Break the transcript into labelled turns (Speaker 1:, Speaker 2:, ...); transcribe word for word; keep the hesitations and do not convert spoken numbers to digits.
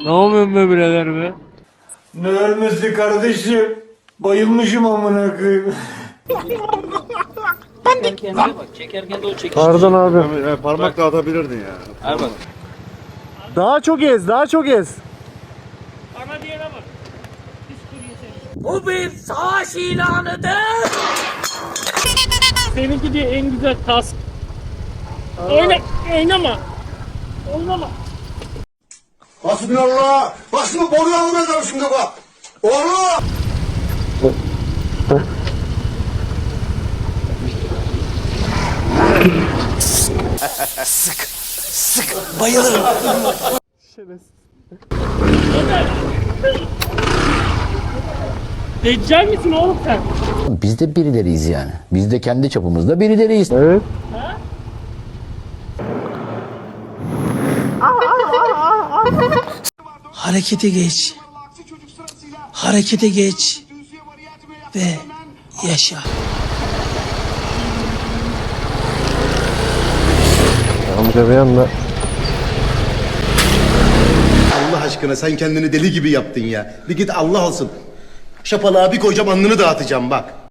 Speaker 1: Ne yapıyorsun be birader be?
Speaker 2: Ne ölmesi kardeşim? Bayılmışım amına koyayım.
Speaker 3: Çekerken de bak, çekerken de o çekiş.
Speaker 4: Pardon abi.
Speaker 5: Yani parmak da atabilirdin ya.
Speaker 3: Ver bak.
Speaker 4: Daha çok ez, daha çok ez.
Speaker 1: Bana diyene bak.
Speaker 3: Bu bir savaş ilanıdır.
Speaker 1: Seninki diye en güzel kask. Oyna, oynama. Oynama.
Speaker 5: Hasbinallah. Bak şimdi boruyu almayacağım şimdi bak. Oğlum.
Speaker 1: Deccal misin oğlum sen?
Speaker 6: Biz de birileriyiz yani. Biz de kendi çapımızda birileriyiz.
Speaker 4: Evet.
Speaker 7: Harekete geç. Harekete geç. Ve yaşa.
Speaker 4: Amca bir anda.
Speaker 5: Allah aşkına sen kendini deli gibi yaptın ya. Bir git Allah olsun. Şapalığa bir koyacağım alnını dağıtacağım bak.